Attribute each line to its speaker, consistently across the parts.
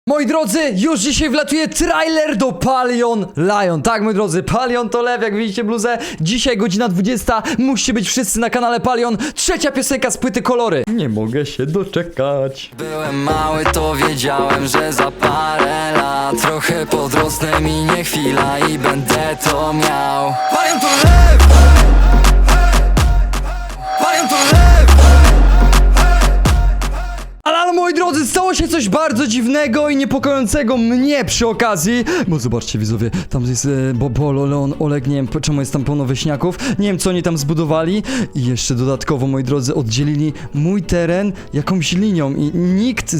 Speaker 1: Moi drodzy, już dzisiaj wlatuje trailer do Palion Lion. Tak, moi drodzy, Palion to lew, jak widzicie bluzę. Dzisiaj godzina 20, musicie być wszyscy na kanale Palion. Trzecia piosenka z płyty Kolory. Nie mogę się doczekać.
Speaker 2: Byłem mały, to wiedziałem, że za parę lat trochę podrosnę, minie chwila i będę to miał. Palion to lew! Palion to lew!
Speaker 1: Ale moi drodzy, stało się coś bardzo dziwnego i niepokojącego mnie przy okazji. Bo zobaczcie widzowie, tam jest Bobolo, Leon, Oleg, nie wiem czemu jest tam pełno wieśniaków. Nie wiem co oni tam zbudowali. I jeszcze dodatkowo, moi drodzy, oddzielili mój teren jakąś linią. I nikt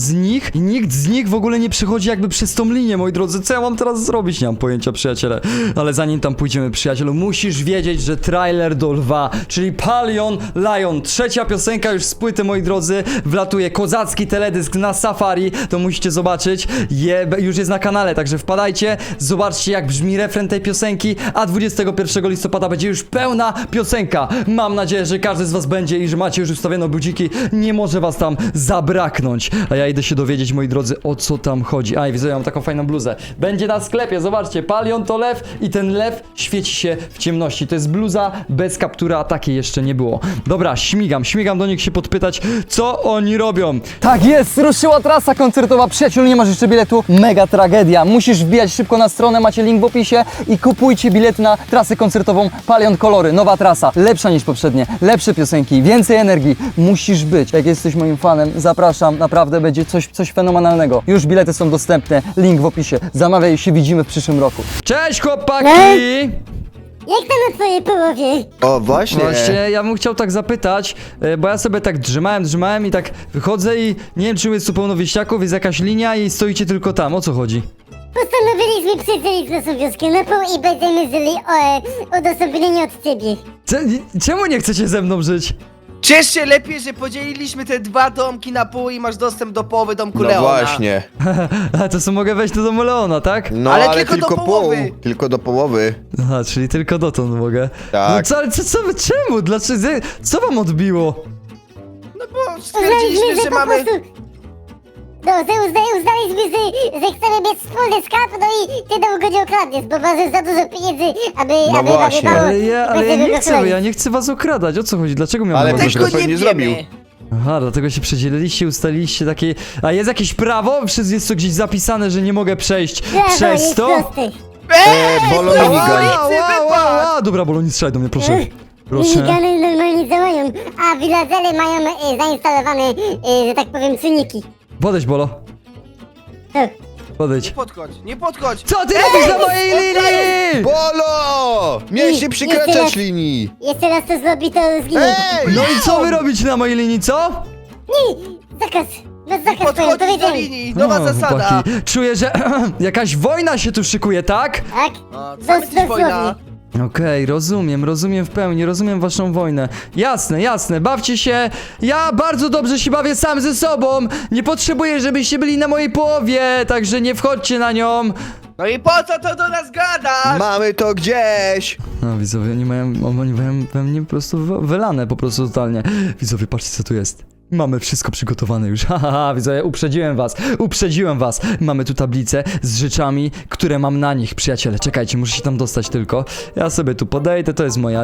Speaker 1: z nich w ogóle nie przechodzi jakby przez tą linię, moi drodzy. Co ja mam teraz zrobić? Nie mam pojęcia, przyjaciele. Ale zanim tam pójdziemy, przyjacielu, musisz wiedzieć, że trailer do lwa, czyli Palion Lion, trzecia piosenka już z płyty, moi drodzy, wlatuje kozacki teledysk na Safari, to musicie zobaczyć, już jest na kanale, także wpadajcie, zobaczcie jak brzmi refren tej piosenki, a 21 listopada będzie już pełna piosenka. Mam nadzieję, że każdy z was będzie i że macie już ustawione budziki, nie może was tam zabraknąć. A ja idę się dowiedzieć, moi drodzy, o co tam chodzi. A i widzę, ja mam taką fajną bluzę. Będzie na sklepie, zobaczcie, Palion to lew i ten lew świeci się w ciemności. To jest bluza bez kaptura, a takiej jeszcze nie było. Dobra, śmigam do nich się podpytać, co oni robią.
Speaker 3: Tak jest, ruszyła trasa koncertowa. Przyjaciół, nie masz jeszcze biletu? Mega tragedia. Musisz wbijać szybko na stronę, macie link w opisie i kupujcie bilety na trasę koncertową Palion Kolory. Nowa trasa, lepsza niż poprzednie, lepsze piosenki, więcej energii. Musisz być. Jak jesteś moim fanem, zapraszam, naprawdę będzie coś fenomenalnego. Już bilety są dostępne, link w opisie. Zamawiaj, się widzimy w przyszłym roku.
Speaker 1: Cześć chłopaki!
Speaker 4: Jak tam na twojej połowie?
Speaker 5: O, właśnie.
Speaker 1: Właśnie, ja bym chciał tak zapytać, bo ja sobie tak drzymałem i tak wychodzę i nie wiem, czy jest tu pełno wieśniaków, jest jakaś linia i stoicie tylko tam, o co chodzi?
Speaker 4: Postanowiliśmy przejść naszą wioskę na pół i będziemy żyli odosobnieni od ciebie.
Speaker 1: Czemu nie chcecie ze mną żyć?
Speaker 6: Ciesz się lepiej, że podzieliliśmy te dwa domki na pół i masz dostęp do połowy domku
Speaker 5: No
Speaker 6: Leona.
Speaker 5: właśnie.
Speaker 1: A to co, mogę wejść do domu Leona, tak?
Speaker 5: No
Speaker 6: Ale
Speaker 5: ale,
Speaker 6: tylko do
Speaker 5: pół.
Speaker 6: połowy.
Speaker 5: Tylko do połowy.
Speaker 1: Aha, czyli tylko dotąd mogę.
Speaker 5: Tak.
Speaker 1: No co, ale co wy, czemu? Dlaczego? Co wam odbiło?
Speaker 6: No bo stwierdziliśmy, że
Speaker 4: po
Speaker 6: mamy...
Speaker 4: prostu... No, uznaliśmy, że chcemy mieć wspólny skarb, no i ty nam go nie okradniesz, bo masz za dużo pieniędzy, aby
Speaker 5: właśnie.
Speaker 4: mało...
Speaker 1: Ale ja
Speaker 4: bez
Speaker 1: nie
Speaker 4: tego
Speaker 1: chcę,
Speaker 4: chleba.
Speaker 1: ja nie chcę was okradać, o co chodzi? Dlaczego miałem
Speaker 5: Ale
Speaker 1: was
Speaker 5: też
Speaker 6: Tego
Speaker 1: okradać?
Speaker 5: go
Speaker 6: nie
Speaker 5: pewnie
Speaker 6: wiemy.
Speaker 5: zrobił.
Speaker 1: Aha, dlatego się przedzieliliście, ustaliliście takie... A jest jakieś prawo? Jest to gdzieś zapisane, że nie mogę przejść przez
Speaker 4: jest
Speaker 1: to?
Speaker 4: prosty.
Speaker 5: Bolo
Speaker 6: no,
Speaker 5: minigun.
Speaker 6: wypadł!
Speaker 1: Dobra, Bolo, nie strzelaj do mnie, proszę. Proszę.
Speaker 4: Minigany normalnie działają, a villagele mają zainstalowane, że tak powiem, czujniki.
Speaker 1: Podejdź, Bolo.
Speaker 4: Tak.
Speaker 1: Podejdź.
Speaker 6: Nie podchodź!
Speaker 1: Co ty robisz na mojej linii?
Speaker 5: Bolo! Miałeś nie przekraczać linii.
Speaker 4: Jeszcze raz to zrobi, to zginie.
Speaker 5: Ej!
Speaker 1: No i co wy robicie na mojej linii, co?
Speaker 4: Zakaz. Bez zakaz powiem,
Speaker 6: Podchodzisz do
Speaker 4: powiedziałem.
Speaker 6: linii, nowa
Speaker 1: O,
Speaker 6: zasada!
Speaker 1: chłopaki, czuję, że jakaś wojna się tu szykuje, tak?
Speaker 4: Tak?
Speaker 6: A, co ma być wojna?
Speaker 1: Okej, rozumiem w pełni, rozumiem waszą wojnę. Jasne, bawcie się. Ja bardzo dobrze się bawię sam ze sobą. Nie potrzebuję, żebyście byli na mojej połowie, także nie wchodźcie na nią.
Speaker 6: No i po co to do nas gadasz?
Speaker 5: Mamy to gdzieś.
Speaker 1: No widzowie, oni mają we mnie po prostu wylane po prostu totalnie. Widzowie, patrzcie co tu jest. Mamy wszystko przygotowane już, haha, widzowie, uprzedziłem was. Mamy tu tablicę z rzeczami, które mam na nich, przyjaciele, czekajcie, muszę się tam dostać tylko. Ja sobie tu podejdę, to jest moja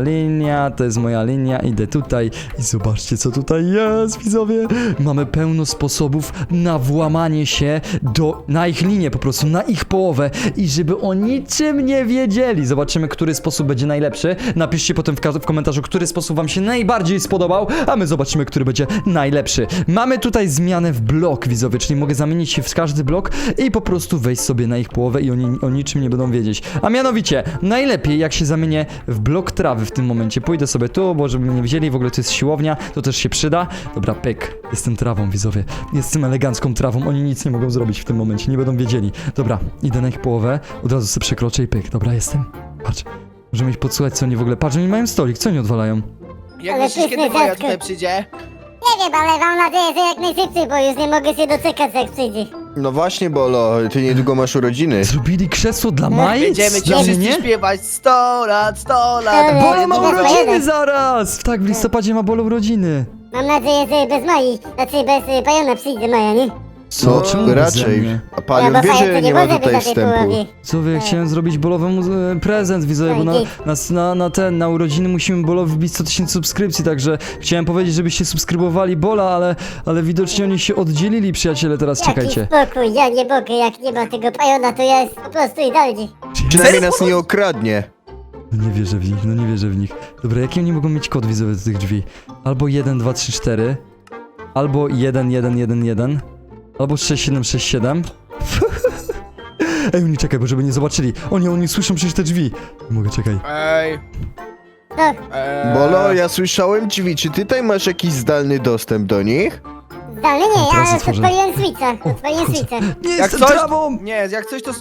Speaker 1: linia, idę tutaj i zobaczcie co tutaj jest, widzowie. Mamy pełno sposobów na włamanie się na ich linię, po prostu, na ich połowę i żeby o niczym nie wiedzieli. Zobaczymy, który sposób będzie najlepszy. Napiszcie potem w komentarzu, który sposób wam się najbardziej spodobał, a my zobaczymy, który będzie najlepszy. Mamy tutaj zmianę w blok, widzowie, czyli mogę zamienić się w każdy blok i po prostu wejść sobie na ich połowę i oni o niczym nie będą wiedzieć. A mianowicie, najlepiej jak się zamienię w blok trawy w tym momencie. Pójdę sobie tu, bo żeby mnie nie widzieli, w ogóle to jest siłownia, to też się przyda. Dobra, pyk, jestem trawą, widzowie. Jestem elegancką trawą, oni nic nie mogą zrobić w tym momencie, nie będą wiedzieli. Dobra, idę na ich połowę, od razu sobie przekroczę i pyk, dobra, jestem. Patrz, możemy ich podsłuchać, co oni w ogóle, patrz, oni mają stolik, co oni odwalają?
Speaker 6: Jak
Speaker 4: Ale
Speaker 6: myślisz,
Speaker 4: pyszne
Speaker 6: kiedy moja
Speaker 4: ciastko.
Speaker 6: tutaj przyjdzie?
Speaker 4: Nie wiem, ale mam nadzieję, że jak najszybciej, bo już nie mogę się doczekać, jak przyjdzie.
Speaker 5: No właśnie, Bolo, ty niedługo masz urodziny.
Speaker 1: Zrobili krzesło dla Mai?
Speaker 6: Będziemy ci
Speaker 1: Dla
Speaker 6: wszyscy
Speaker 1: mnie?
Speaker 6: śpiewać 100 lat, 100 lat.
Speaker 4: Ale-
Speaker 1: Bolo ma
Speaker 4: Dobra,
Speaker 1: urodziny
Speaker 4: jeden.
Speaker 1: zaraz! Tak, w listopadzie ma Bolo urodziny.
Speaker 4: Mam nadzieję, że bez Mai, znaczy bez Pajona przyjdzie Maja, nie?
Speaker 1: Co?
Speaker 5: No,
Speaker 1: Czemu beze
Speaker 5: raczej.
Speaker 1: mnie?
Speaker 5: A Palion
Speaker 4: bo
Speaker 5: wie,
Speaker 4: fajnie,
Speaker 5: że
Speaker 4: to
Speaker 5: nie ma
Speaker 4: może być
Speaker 5: tutaj
Speaker 4: na tej
Speaker 5: wstępu.
Speaker 4: połowie.
Speaker 1: Co wy, ja chciałem zrobić Bolowemu prezent, widzowie, bo na urodziny musimy Bolowi wbić 100 000 subskrypcji, także chciałem powiedzieć, żebyście subskrybowali Bola, ale widocznie oni się oddzielili, przyjaciele, teraz czekajcie.
Speaker 4: Jaki spokój, ja nie mogę, jak nie ma tego pajona, to ja jest po prostu idealnie.
Speaker 5: Przynajmniej nas nie okradnie.
Speaker 1: No nie wierzę w nich, no nie wierzę w nich. Dobra, jaki oni mogą mieć kod, widzowie, do tych drzwi? Albo 1, 2, 3, 4, albo 1, 1, 1, 1, albo 6, 7, 6, 7. Ej, oni czekaj, bo żeby nie zobaczyli. Oni słyszą przecież te drzwi. Nie mogę, czekaj.
Speaker 6: Ej.
Speaker 4: No,
Speaker 5: Bolo, ja słyszałem drzwi, czy ty tutaj masz jakiś zdalny dostęp do nich?
Speaker 4: zdalnie nie,
Speaker 1: teraz
Speaker 4: ja
Speaker 1: otworzę.
Speaker 4: odpaliłem switcha, odpaliłem
Speaker 1: kurczę.
Speaker 4: switcha.
Speaker 1: Nie
Speaker 6: Jak
Speaker 1: jestem
Speaker 6: coś...
Speaker 1: trawą!
Speaker 6: Nie, jak coś to...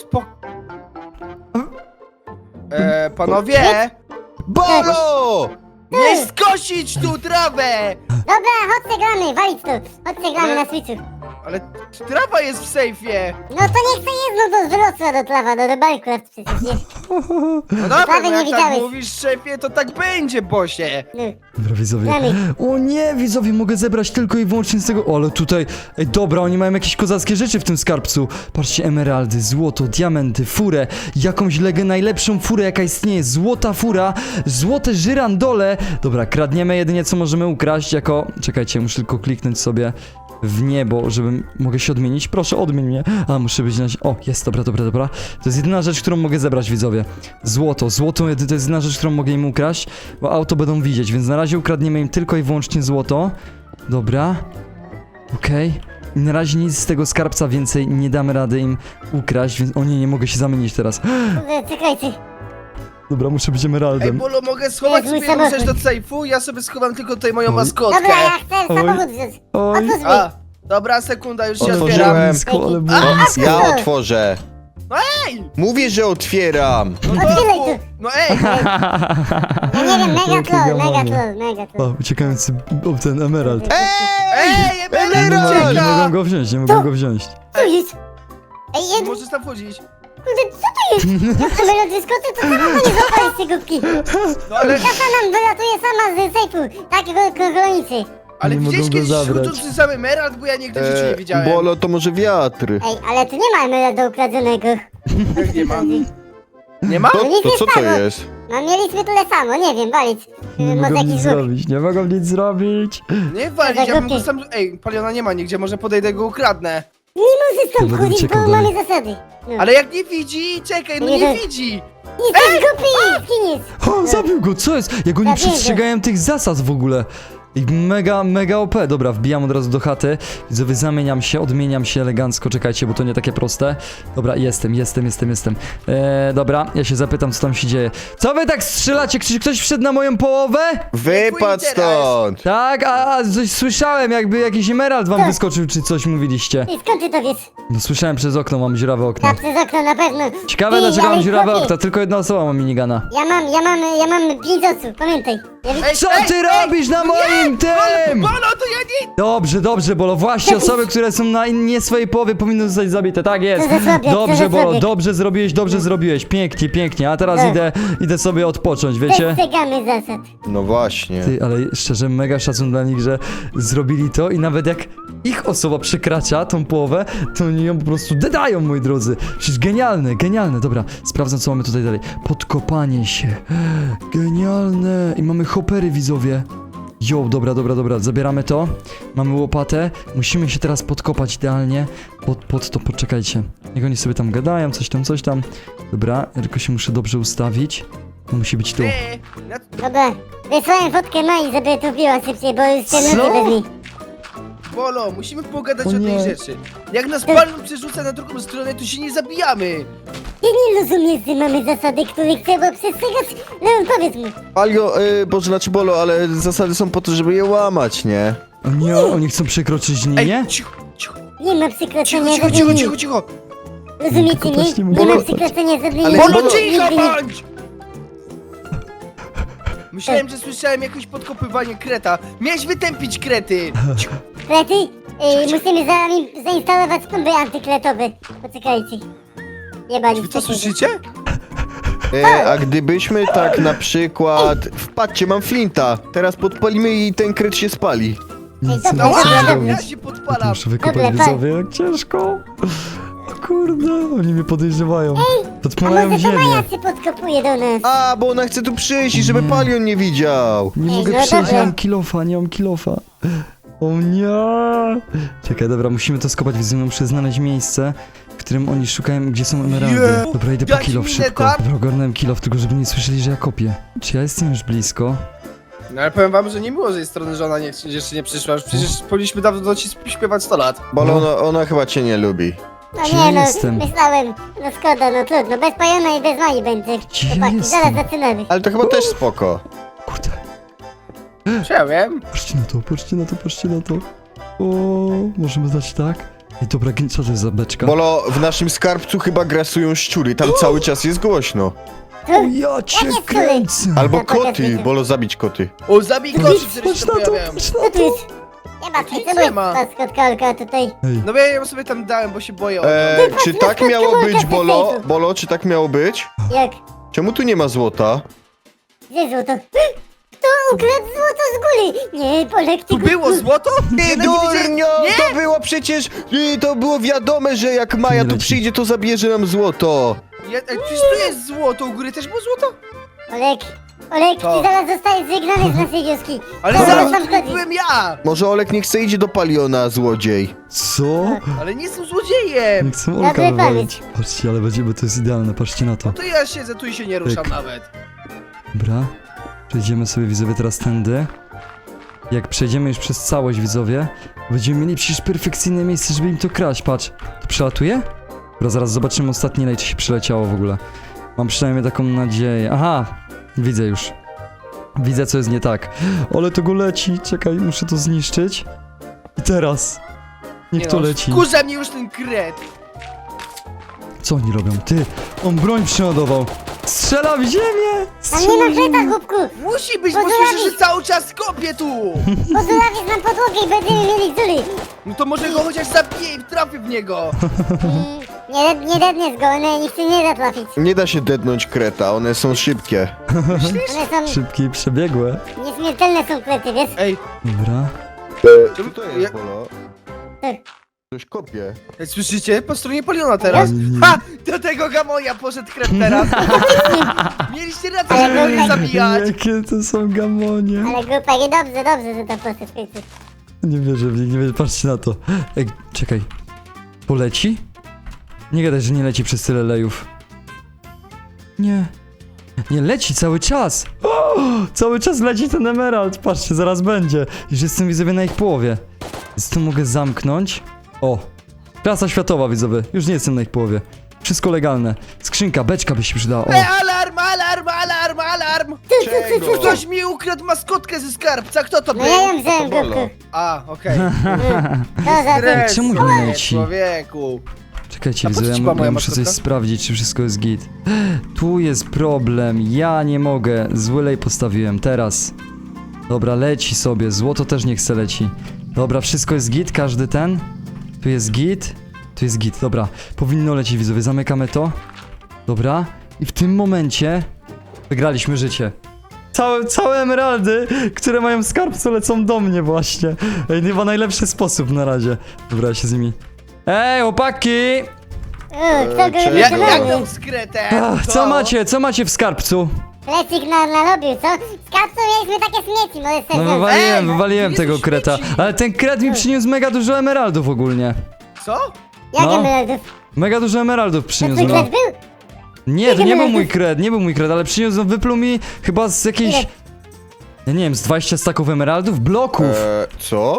Speaker 6: Panowie!
Speaker 5: Bolo!
Speaker 6: Nie skosić tu trawę!
Speaker 4: Dobra, chodźcie gramy, walić tu, chodźcie gramy na switchu.
Speaker 6: Ale trawa jest w sejfie!
Speaker 4: No to niech to jest, no to wyrosła do trawa, no do Minecraft przecież, nie?
Speaker 6: No dobra,
Speaker 4: Prawie
Speaker 6: no
Speaker 4: nie
Speaker 6: jak tak
Speaker 4: widziałeś.
Speaker 6: mówisz szefie, to tak będzie, bosie!
Speaker 4: No,
Speaker 1: Dobra, widzowie.
Speaker 4: gramy.
Speaker 1: O nie, widzowie, mogę zebrać tylko i wyłącznie z tego. O, ale tutaj. Ej, dobra, oni mają jakieś kozackie rzeczy w tym skarbcu. Patrzcie, emeraldy, złoto, diamenty, furę, jakąś najlepszą furę, jaka istnieje. Złota fura, złote żyrandole. Dobra, kradniemy jedynie co możemy ukraść jako. Czekajcie, muszę tylko kliknąć sobie w niebo, żebym... Mogę się odmienić? Proszę, odmień mnie. A, muszę być na... O, jest, dobra. To jest jedyna rzecz, którą mogę zebrać, widzowie. Złoto to jest jedyna rzecz, którą mogę im ukraść, bo auto będą widzieć, więc na razie ukradniemy im tylko i wyłącznie złoto. Dobra. Okej. I na razie nic z tego skarbca więcej nie damy rady im ukraść, więc... O nie mogę się zamienić teraz.
Speaker 4: Kurde, czekajcie.
Speaker 1: Dobra, muszę być
Speaker 6: Ej,
Speaker 1: emeraldem.
Speaker 6: Bolo, mogę schować
Speaker 4: Jest mój
Speaker 6: sobie jedną rzecz do
Speaker 4: samochód.
Speaker 6: sejfu? Ja sobie schowam tylko tutaj moją
Speaker 1: Oj.
Speaker 6: maskotkę.
Speaker 4: Dobra, ja chcę
Speaker 1: Oj.
Speaker 4: samochód wziąć.
Speaker 1: Oj.
Speaker 4: Otwórz mi.
Speaker 6: A, dobra, sekunda, już się
Speaker 5: Otworzyłem.
Speaker 6: otwieram.
Speaker 1: Blisko, ale było blisko.
Speaker 5: Ja otworzę.
Speaker 6: Ej!
Speaker 5: Mówię, że otwieram.
Speaker 6: No,
Speaker 4: Otwieraj
Speaker 6: no,
Speaker 4: tu.
Speaker 6: no ej!
Speaker 4: Ja nie wiem, mega
Speaker 1: Jakie
Speaker 4: troll,
Speaker 1: gamonie.
Speaker 4: mega troll.
Speaker 1: O, uciekający ten emerald.
Speaker 6: Ej,
Speaker 1: Nie
Speaker 6: emerald
Speaker 1: mogą
Speaker 6: ucieka!
Speaker 1: go wziąć, nie mogą go wziąć.
Speaker 4: Co jest? Ej, Ed,
Speaker 6: Możesz tam wchodzić.
Speaker 4: kurde, co to jest? Jak emerald wyskoczy, to samochód nie zapali z tej głupki.
Speaker 6: No ale,
Speaker 4: Kasa nam wylatuje sama z sejfu, takiego kolonicy.
Speaker 6: ale
Speaker 1: Nie
Speaker 6: widziałeś
Speaker 1: mogą go
Speaker 6: kiedyś
Speaker 1: zabrać.
Speaker 6: chodzący sam emerald? Bo ja nigdy w życiu nie widziałem.
Speaker 5: Bolo, to może wiatr.
Speaker 4: Ej, ale tu nie ma emeralda ukradzionego.
Speaker 6: Jak nie ma? Nie ma?
Speaker 5: To,
Speaker 4: nic
Speaker 5: to
Speaker 4: nie
Speaker 5: co to
Speaker 4: stało.
Speaker 5: jest?
Speaker 4: No mieliśmy tyle samo, nie wiem, walić.
Speaker 1: Nie
Speaker 4: Może
Speaker 1: mogą nic
Speaker 4: jakiś zrób.
Speaker 1: zrobić, nie mogą nic zrobić.
Speaker 6: Nie walić,
Speaker 4: za
Speaker 6: ja bym go
Speaker 4: głupie.
Speaker 6: sam... Ej, Paliona nie ma nigdzie, może podejdę go ukradnę.
Speaker 4: Nie możesz tam
Speaker 1: To będę
Speaker 4: wchodzić,
Speaker 1: uciekał
Speaker 4: bo
Speaker 1: dalej.
Speaker 4: mamy zasady. No.
Speaker 6: Ale jak nie widzi, czekaj, no
Speaker 4: Nie
Speaker 6: nie
Speaker 4: wiem.
Speaker 6: widzi.
Speaker 4: Jesteś głupi, skiniec.
Speaker 1: O, zabił go, co jest? Jak oni
Speaker 4: Zabiję go.
Speaker 1: przestrzegają tych zasad w ogóle. I mega OP. Dobra, wbijam od razu do chaty. Widzowie, zamieniam się, odmieniam się elegancko. Czekajcie, bo to nie takie proste. Dobra, jestem. Dobra, ja się zapytam, co tam się dzieje. Co wy tak strzelacie? Czy ktoś wszedł na moją połowę?
Speaker 5: Wypadł stąd!
Speaker 1: Tak, a coś słyszałem, jakby jakiś emerald wam wyskoczył, czy coś mówiliście.
Speaker 4: I skąd ty to wiesz?
Speaker 1: No słyszałem przez okno, mam dziurawe okno.
Speaker 4: Na przez okno na pewno.
Speaker 1: Ciekawe,
Speaker 4: Ty,
Speaker 1: dlaczego
Speaker 4: ale
Speaker 1: mam dziurawe
Speaker 4: chłopie,
Speaker 1: okno. Tylko jedna osoba ma minigana.
Speaker 4: Ja mam 5 osób, pamiętaj. Ja
Speaker 6: Ej,
Speaker 1: Co
Speaker 6: ej,
Speaker 1: ty
Speaker 6: ej,
Speaker 1: robisz na
Speaker 6: no nie,
Speaker 1: moim tym?
Speaker 6: Bolo, to ja nie...
Speaker 1: Dobrze, Bolo, właśnie osoby, które są na nie swojej połowie powinny zostać zabite, tak jest.
Speaker 4: Co za słabiak, co
Speaker 1: Dobrze,
Speaker 4: za
Speaker 1: Bolo,
Speaker 4: słabiak.
Speaker 1: dobrze zrobiłeś, pięknie, a teraz
Speaker 4: Tak.
Speaker 1: idę sobie odpocząć, wiecie?
Speaker 4: Przestrzegamy zasad.
Speaker 5: No właśnie.
Speaker 1: Ty, ale szczerze, mega szacun dla nich, że zrobili to i nawet jak ich osoba przekracza tą połowę, to oni ją po prostu dedają, moi drodzy. Przecież genialne, dobra, sprawdzam, co mamy tutaj dalej. Podkopanie się, genialne i mamy hopery, widzowie. Jo, dobra, zabieramy to. Mamy łopatę. Musimy się teraz podkopać idealnie. Pod to, poczekajcie. Niech oni sobie tam gadają, coś tam. Dobra, ja tylko się muszę dobrze ustawić. To musi być tu.
Speaker 6: Ej,
Speaker 4: Dobra, wysłałem fotkę Mai, żeby to biła szybciej, bo już się
Speaker 1: Co?
Speaker 4: nudzi bez niej.
Speaker 6: Bolo, musimy pogadać
Speaker 1: O
Speaker 6: o tej
Speaker 1: nie.
Speaker 6: rzeczy. Jak nas Palion przerzuca na drugą stronę, to się nie zabijamy.
Speaker 4: Ty nie rozumiesz, że mamy zasady, których trzeba przestrzegać? Leon, powiedz mu.
Speaker 5: Algo, znaczy Bolo, ale zasady są po to, żeby je łamać, nie?
Speaker 1: O nie, oni chcą przekroczyć linię?
Speaker 6: Ej, cicho.
Speaker 4: Nie ma
Speaker 6: Cicho,
Speaker 4: przekroczenia
Speaker 6: cicho,
Speaker 4: żadnej
Speaker 6: cicho,
Speaker 4: linii.
Speaker 6: cicho, cicho.
Speaker 4: Rozumiecie
Speaker 1: Tylko też nie
Speaker 4: mnie?
Speaker 1: mogę
Speaker 4: Nie ma
Speaker 1: kopać.
Speaker 4: przekroczenia żadnej
Speaker 5: Ale
Speaker 4: linii.
Speaker 6: Bolo,
Speaker 5: Bolo,
Speaker 6: cicho
Speaker 4: Nigdy nie-
Speaker 6: bądź! Myślałem, że słyszałem jakieś podkopywanie kreta. Miałeś wytępić krety. Cicho.
Speaker 4: Klety? Musimy zainstalować bomby antykletowe. Poczekajcie. Nie bali
Speaker 6: Wy to słyszycie?
Speaker 5: A gdybyśmy tak na przykład... Wpadźcie, mam flinta. Teraz podpalimy i ten kret się spali.
Speaker 1: Nic
Speaker 4: Ej,
Speaker 1: nie
Speaker 4: dobra,
Speaker 1: mogę
Speaker 4: dobra,
Speaker 1: zrobić.
Speaker 6: Ja się
Speaker 1: Ja to
Speaker 6: podpalam.
Speaker 1: muszę wykopać,
Speaker 4: Dobra,
Speaker 1: widzowie, jak ciężko. O kurde, oni mnie podejrzewają.
Speaker 4: A
Speaker 1: Podpalają
Speaker 4: może to
Speaker 1: ziemię.
Speaker 4: Maja się podkopuje do nas?
Speaker 5: A, bo ona chce tu przyjść i żeby Palion nie widział.
Speaker 1: Nie
Speaker 4: Ej,
Speaker 1: mogę
Speaker 4: no
Speaker 1: przejść,
Speaker 4: dobra.
Speaker 1: nie mam kilofa, nie mam kilofa. O nie! Czekaj, dobra, musimy to skopać, widzę, muszę znaleźć miejsce, w którym oni szukają, gdzie są emeraldy.
Speaker 6: Jezu,
Speaker 1: Dobra, idę po
Speaker 6: dać
Speaker 1: kilof
Speaker 6: minę
Speaker 1: szybko.
Speaker 6: tam?
Speaker 1: Dobra, ogarnąłem kilof, tylko żeby nie słyszeli, że ja kopię. Czy ja jestem już blisko?
Speaker 7: No ale powiem wam, że nie było z jej strony, że ona jeszcze nie przyszła. Już przecież powinniśmy dawno do ci śpiewać 100 lat.
Speaker 5: Bo ona chyba cię nie lubi.
Speaker 4: No
Speaker 1: Gdzie
Speaker 4: nie no,
Speaker 1: jestem?
Speaker 4: myślałem. No szkoda, no trudno. Bez Pajona i bez Mai będzie.
Speaker 1: Gdzie
Speaker 4: Chłopaki,
Speaker 1: jestem?
Speaker 4: zaraz zaczynamy.
Speaker 5: Ale to chyba też spoko.
Speaker 1: Kurde,
Speaker 7: Czy ja wiem?
Speaker 1: patrzcie na to, patrzcie na to, patrzcie na to. O, możemy dać tak? Ej, dobra, co to jest za beczka?
Speaker 5: Bolo, w naszym skarbcu chyba grasują szczury, tam cały czas jest głośno.
Speaker 1: O, ja cię
Speaker 4: Jakie
Speaker 1: kręcę!
Speaker 5: Albo
Speaker 4: No, pokaż
Speaker 5: koty,
Speaker 4: mi.
Speaker 5: Bolo, zabić koty.
Speaker 7: O, zabij kości, które
Speaker 1: Patrz
Speaker 7: się
Speaker 1: na
Speaker 7: tam
Speaker 1: to,
Speaker 7: pojawiają.
Speaker 1: patrz
Speaker 4: Co
Speaker 1: na
Speaker 4: tu
Speaker 1: to!
Speaker 4: jest? Nie ma,
Speaker 7: Nic
Speaker 4: co
Speaker 7: nie
Speaker 4: jest
Speaker 7: ma.
Speaker 4: maskotka tutaj?
Speaker 1: Ej,
Speaker 7: No bo ja ją sobie tam dałem, bo się boję o nią.
Speaker 5: Czy tak miało być, Bolo? Bolo, czy tak miało być?
Speaker 4: Jak?
Speaker 5: Czemu tu nie ma złota?
Speaker 4: Gdzie złoto? Kto ukradł złoto z góry? Nie, Polek, ty
Speaker 7: Tu było złoto?
Speaker 5: Ty
Speaker 7: Ja nie widziałem-
Speaker 5: durnio! To było przecież... To było wiadome, że jak Maja
Speaker 1: Nie
Speaker 5: tu
Speaker 1: leci.
Speaker 5: przyjdzie, to zabierze nam złoto.
Speaker 7: Ej, przecież tu jest złoto, u góry też było złoto?
Speaker 4: Olek,
Speaker 7: Co?
Speaker 4: ty zaraz zostajesz wygnany z naszej wioski.
Speaker 7: Ale
Speaker 4: Zaraz
Speaker 7: zaraz
Speaker 4: tam
Speaker 7: to
Speaker 4: chodzi.
Speaker 7: byłem ja!
Speaker 5: Może Olek nie chce idzie do Paliona, złodziej.
Speaker 1: co?
Speaker 7: Ale nie jestem złodziejem!
Speaker 1: Nie chcę
Speaker 4: Dobry
Speaker 1: Olka
Speaker 4: pomysł.
Speaker 1: wywalić. Patrzcie, ale będziemy, to jest idealne, patrzcie na to.
Speaker 7: To ja siedzę tu i się nie ruszam
Speaker 1: Pyk.
Speaker 7: nawet.
Speaker 1: Dobra, przejdziemy sobie, widzowie, teraz tędy. Jak przejdziemy już przez całość, widzowie, będziemy mieli przecież perfekcyjne miejsce, żeby im to kraść, patrz. To przelatuje? Dobra, zaraz zobaczymy ostatnie lej, czy się przeleciało w ogóle. Mam przynajmniej taką nadzieję. Aha, widzę już. Widzę, co jest nie tak. Ale to go leci, czekaj, muszę to zniszczyć. I teraz. Niech to leci.
Speaker 7: Wkurza mnie już ten kret.
Speaker 1: Co oni robią? Ty, on broń przeładował. Strzela w ziemię!
Speaker 4: Tam nie ma kreta, głupku.
Speaker 7: Musi być, bo
Speaker 4: Pozdrawiam.
Speaker 7: słyszę, że cały czas kopię tu!
Speaker 4: Pozulawisz nam podłogę i będziemy mieli dziury.
Speaker 7: No to może go chociaż zabiję i trafię w niego!
Speaker 4: Nie dedniesz go, one nikt się nie da trafić.
Speaker 5: Nie da się dednąć kreta, one są szybkie.
Speaker 4: One są
Speaker 1: Szybkie i przebiegłe.
Speaker 4: nieśmiertelne są krety, wiesz?
Speaker 7: Ej,
Speaker 1: Dobra.
Speaker 5: Co to jest, Bolo? Ktoś kopie.
Speaker 7: ej, słyszycie? Po stronie Poliona teraz.
Speaker 1: Nie.
Speaker 7: Ha! Do tego gamoja poszedł kret teraz. Mieliście rację, żeby mnie zabijać.
Speaker 1: Jakie to są gamonie.
Speaker 4: Ale głupek, i dobrze, że tam poszedł w końcu.
Speaker 1: Nie wierzę w nich, nie wierzę, patrzcie na to. Ej, czekaj. Poleci? Nie gadaj, że nie leci przez tyle lejów. Nie. Nie, leci cały czas. O, cały czas leci ten emerald. Patrzcie, zaraz będzie. Już jestem, widzowie, na ich połowie. Więc to mogę zamknąć. O. Klasa światowa, widzowie. Już nie jestem na ich połowie. Wszystko legalne. Skrzynka, beczka by się przydała. O.
Speaker 7: Alarm, alarm, alarm, alarm!
Speaker 5: Czego?
Speaker 7: Ktoś mi ukradł maskotkę ze skarbca, kto to
Speaker 4: No
Speaker 7: był?
Speaker 4: ja ją wziąłem,
Speaker 5: Bolo.
Speaker 4: głupku.
Speaker 7: A, okej.
Speaker 4: To za tym.
Speaker 7: Stres,
Speaker 1: Czemu nie
Speaker 7: nie,
Speaker 1: leci?
Speaker 7: człowieku.
Speaker 1: Czekajcie,
Speaker 7: A po co
Speaker 1: widzowie,
Speaker 7: ci
Speaker 1: ja,
Speaker 7: była moja
Speaker 1: ja muszę coś
Speaker 7: maskotka?
Speaker 1: sprawdzić, czy wszystko jest git. Tu jest problem, ja nie mogę. Zły lej postawiłem, teraz. Dobra, leci sobie, złoto też nie chce leci. Dobra, wszystko jest git, każdy ten. Tu jest git, tu jest git, dobra. Powinno lecieć, widzowie, zamykamy to. Dobra, i w tym momencie wygraliśmy życie. Całe emeraldy, które mają w skarbcu, lecą do mnie właśnie. Ej, chyba najlepszy sposób na razie. Dobra, ja się z nimi... Ej, chłopaki!
Speaker 4: Kto go
Speaker 5: Czego?
Speaker 7: Jak
Speaker 4: wykonany?
Speaker 7: tam z kretem?
Speaker 1: Ach, co macie w skarbcu?
Speaker 4: Plecik narobił, co? Z kapsą mieliśmy takie śmieci, może
Speaker 1: No
Speaker 4: sobie wziąć.
Speaker 1: wywaliłem
Speaker 7: Ej,
Speaker 1: tego
Speaker 7: Jezu,
Speaker 1: kreta.
Speaker 7: śmieci.
Speaker 1: Ale ten kret mi przyniósł mega dużo emeraldów ogólnie.
Speaker 7: Co?
Speaker 4: Jak
Speaker 1: no.
Speaker 4: emeraldów?
Speaker 1: Mega dużo emeraldów
Speaker 4: To
Speaker 1: przyniósł,
Speaker 4: twój
Speaker 1: no.
Speaker 4: kret był?
Speaker 1: Nie, to nie był mój
Speaker 4: emeraldów?
Speaker 1: kret, nie był mój kret, ale przyniósł, wypluł mi chyba z jakiejś...
Speaker 4: Ile?
Speaker 1: Ja nie wiem, z 20 staków emeraldów? Bloków!
Speaker 5: Co?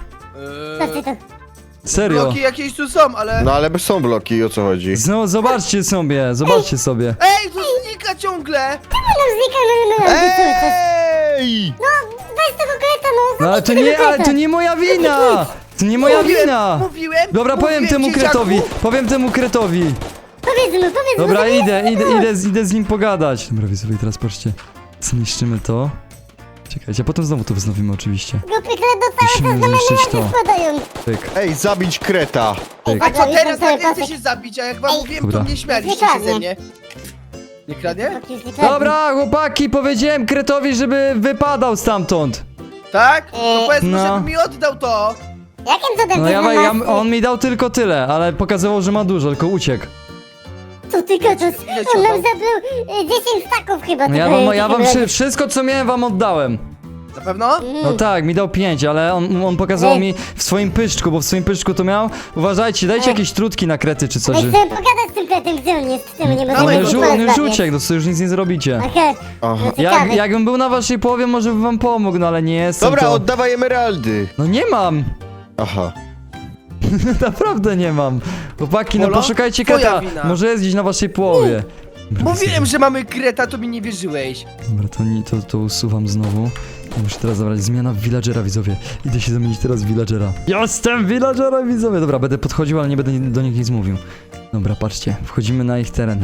Speaker 4: Co ty to?
Speaker 1: Serio.
Speaker 7: Bloki jakieś tu są, ale...
Speaker 5: No ale są bloki, o co chodzi?
Speaker 1: No, zobaczcie sobie, zobaczcie sobie.
Speaker 7: Ej, tu znika ciągle!
Speaker 4: Nam znika emeraldy cały czas.
Speaker 5: Ej!
Speaker 4: Weź tego kreta, no.
Speaker 1: No ale to
Speaker 4: zabij
Speaker 1: nie,
Speaker 4: tego
Speaker 1: ale
Speaker 4: kreta.
Speaker 1: to nie moja wina! To nie moja wina!
Speaker 7: Mówiłem!
Speaker 1: Dobra, powiem
Speaker 7: mówiłem,
Speaker 1: temu
Speaker 7: dzieciaku.
Speaker 1: kretowi, powiem temu kretowi.
Speaker 4: Powiedz mu,
Speaker 1: Dobra,
Speaker 4: że nie
Speaker 1: idę z nim pogadać. Dobra, widzowie, teraz patrzcie. Zniszczymy to. Czekajcie, a potem znowu to wznowimy oczywiście.
Speaker 4: Głupy kret do cały
Speaker 1: Musimy
Speaker 4: czas na
Speaker 1: zniszczyć
Speaker 4: mnie
Speaker 1: to.
Speaker 4: spadają.
Speaker 1: Pyk,
Speaker 5: Ej, zabić kreta!
Speaker 1: pyk.
Speaker 7: A co teraz,
Speaker 4: cały
Speaker 7: jak nie chcę
Speaker 4: pasek.
Speaker 7: się zabić, a jak wam
Speaker 4: Ej.
Speaker 7: mówiłem,
Speaker 1: Dobra.
Speaker 7: to mnie śmialiście
Speaker 4: Nie
Speaker 7: się ze
Speaker 4: kradnie.
Speaker 7: mnie. Nie kradnie?
Speaker 1: Dobra, chłopaki, powiedziałem kretowi, żeby wypadał stamtąd.
Speaker 6: Tak? To powiedz mu,
Speaker 1: No.
Speaker 6: żeby mi oddał to.
Speaker 4: Jakim cudem
Speaker 1: No
Speaker 4: ty
Speaker 1: ja,
Speaker 4: znalazłeś?
Speaker 1: on mi dał tylko tyle, ale pokazywał, że ma dużo, tylko uciekł.
Speaker 4: Co ty gadasz?
Speaker 6: Ile ci
Speaker 4: On nam
Speaker 6: oddał?
Speaker 4: zabrał 10 staków chyba.
Speaker 1: No
Speaker 4: tego-
Speaker 1: ja wam
Speaker 4: tego-
Speaker 1: wszystko, co miałem, wam oddałem.
Speaker 6: Na pewno?
Speaker 1: No tak, mi dał 5, ale on pokazał mi w swoim pyszczku, bo w swoim pyszczku to miał. Uważajcie, dajcie jakieś trutki na krety czy coś.
Speaker 4: Ej,
Speaker 1: że-
Speaker 4: chcę pogadać z tym kretem, gdzie on jest? Czemu nie
Speaker 6: No,
Speaker 4: możemy
Speaker 1: On
Speaker 6: Dawaj,
Speaker 1: już,
Speaker 6: go,
Speaker 1: on już uciekł, no to już nic nie zrobicie.
Speaker 4: Okej,
Speaker 5: Aha.
Speaker 4: no ciekawe.
Speaker 1: Jakbym był na waszej połowie, może bym wam pomógł, no ale nie jestem.
Speaker 5: Dobra,
Speaker 1: to...
Speaker 5: oddawaj emeraldy.
Speaker 1: No nie mam!
Speaker 5: Aha.
Speaker 1: Naprawdę nie mam. Chłopaki, no
Speaker 6: Polo?
Speaker 1: poszukajcie
Speaker 6: Twoja
Speaker 1: kreta.
Speaker 6: wina.
Speaker 1: Może jest gdzieś na waszej połowie.
Speaker 6: Mówiłem, że mamy kreta, to mi nie wierzyłeś.
Speaker 1: Dobra, to usuwam znowu. Muszę teraz zabrać zmiana w villagera, widzowie. Idę się zamienić teraz w villagera. Jestem villagerem, widzowie! Dobra, będę podchodził, ale nie będę do nich nic mówił. Dobra, patrzcie, wchodzimy na ich teren.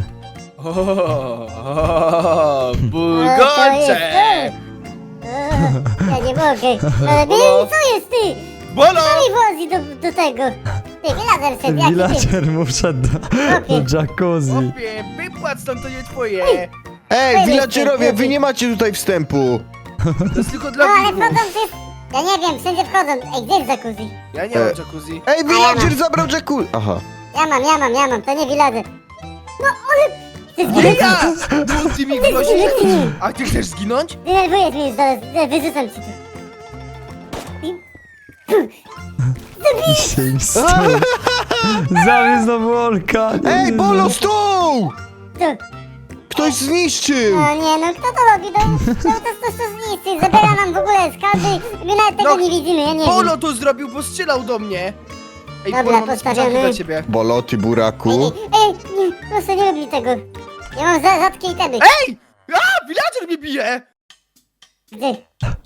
Speaker 6: Bulgocze!
Speaker 4: Ja nie mogę. Ale co jest ty?
Speaker 6: Bolo!
Speaker 4: I włozi do tego. Ty, villager szedł, jaki ty?
Speaker 1: Villager mu wszedł do jacuzzi.
Speaker 6: Chłopie, wypłać stąd, to nie twoje.
Speaker 5: Ej, villagerowie, wy nie macie tutaj wstępu.
Speaker 6: To jest tylko
Speaker 4: No
Speaker 6: dla
Speaker 4: ale
Speaker 6: widzów.
Speaker 4: wchodzą wszyscy. Ja nie wiem, wszędzie wchodzą. Ej, gdzie jest jacuzzi?
Speaker 6: Ja nie mam jacuzzi.
Speaker 5: Ej, villager zabrał jacuzzi. Aha.
Speaker 4: Ja mam, to nie villager. No ale... Ty
Speaker 6: Nie
Speaker 4: zginąłeś?
Speaker 6: ja! Bo ty mi grozisz. A ty chcesz zginąć?
Speaker 4: Denerwujesz mnie już zaraz, wyrzucam ci tu.
Speaker 1: Zabił znowu Olka.
Speaker 5: Ej, Bolo, stół!
Speaker 4: Tu.
Speaker 5: Ktoś zniszczył!
Speaker 4: No nie, no kto to robi? To zniszczy, zabiera nam w ogóle skarby, my nawet tego
Speaker 6: No,
Speaker 4: nie widzimy, ja nie
Speaker 6: Polo
Speaker 4: wiem.
Speaker 6: to zrobił, bo strzelał do mnie. Ej,
Speaker 4: Dobra,
Speaker 6: Polo, mam
Speaker 4: postawiamy.
Speaker 6: niespodziankę dla ciebie.
Speaker 5: Bolo, ty
Speaker 4: Ej,
Speaker 5: buraku.
Speaker 4: nie, proszę nie rób mi tego. Ja mam rzadkie itemy.
Speaker 6: Ej! A, villager mnie bije!
Speaker 4: Gdzie?